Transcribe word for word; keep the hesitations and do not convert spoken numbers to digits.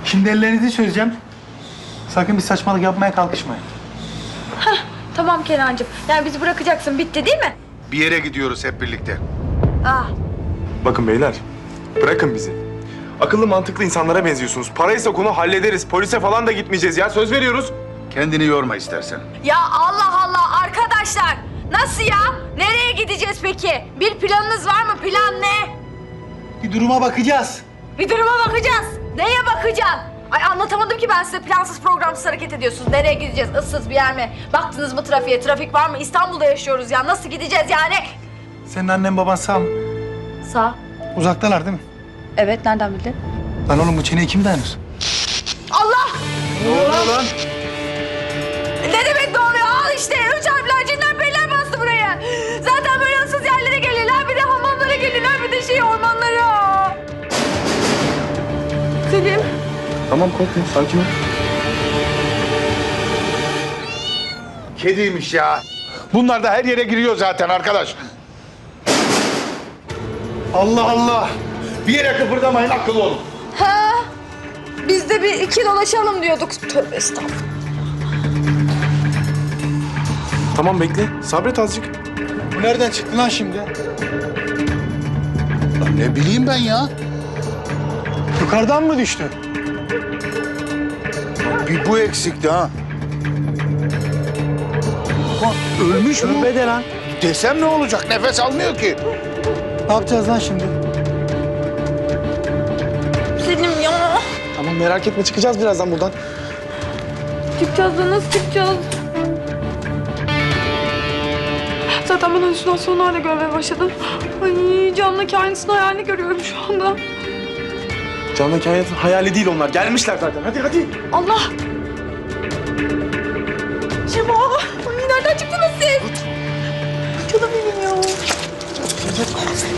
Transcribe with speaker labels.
Speaker 1: Şimdi ellerinizi çözeceğim. Sakın bir saçmalık yapmaya kalkışmayın.
Speaker 2: Tamam Kenancığım. Yani bizi bırakacaksın. Bitti değil mi?
Speaker 3: Bir yere gidiyoruz hep birlikte.
Speaker 2: Ah.
Speaker 4: Bakın beyler, bırakın bizi. Akıllı mantıklı insanlara benziyorsunuz. Paraysa konu hallederiz. Polise falan da gitmeyeceğiz ya. Söz veriyoruz.
Speaker 3: Kendini yorma istersen.
Speaker 2: Ya Allah Allah arkadaşlar. Nasıl ya? Nereye gideceğiz peki? Bir planınız var mı? Plan ne?
Speaker 1: Bir duruma bakacağız.
Speaker 2: Bir duruma bakacağız. Neye bakacaksın? Ay anlatamadım ki ben size, plansız programsız hareket ediyorsunuz. Nereye gideceğiz? Issız bir yer mi? Baktınız mı trafiğe? Trafik var mı? İstanbul'da yaşıyoruz ya. Nasıl gideceğiz yani?
Speaker 1: Senin annen baban sağ mı?
Speaker 2: Sağ.
Speaker 1: Uzaktalar değil mi?
Speaker 2: Evet, nereden bildin?
Speaker 1: Lan oğlum bu çeneye kim dayanır?
Speaker 2: Allah!
Speaker 1: Ne oluyor lan?
Speaker 2: Ne demek ne oluyor? Al işte. Üç harfler, cinler, periler bastı buraya. Zaten böyle ıssız yerlere gelirler. Bir de hamamlara gelirler. Bir de şey ormanlara. Selim.
Speaker 4: Tamam korkma, sakin ol.
Speaker 3: Kediymiş ya. Bunlar da her yere giriyor zaten arkadaş. Allah Allah. Bir yere kıpırdamayın, akıllı olun.
Speaker 2: Ha? Biz de bir iki dolaşalım diyorduk. Tövbe estağfurullah.
Speaker 4: Tamam bekle, sabret azıcık.
Speaker 1: Bu nereden çıktı lan şimdi?
Speaker 3: Lan ne bileyim ben ya.
Speaker 1: Yukarıdan mı düştü?
Speaker 3: Bir bu eksikti ha. Ulan ölmüş mü?
Speaker 1: Tövbe de lan.
Speaker 3: Desem ne olacak? Nefes almıyor ki.
Speaker 1: Ne yapacağız lan şimdi?
Speaker 2: Selim ya.
Speaker 4: Tamam merak etme, çıkacağız birazdan buradan.
Speaker 2: Çıkacağız da nasıl çıkacağız? Zaten ben halüsinasyonlar da görmeye başladım. Ay camdaki aynısının hayalini görüyorum şu anda.
Speaker 4: Canlı kainatın hayali değil onlar. Gelmişler zaten. Hadi hadi.
Speaker 2: Allah! Şema! Ay nereden çıktınız siz? Canım benim ya.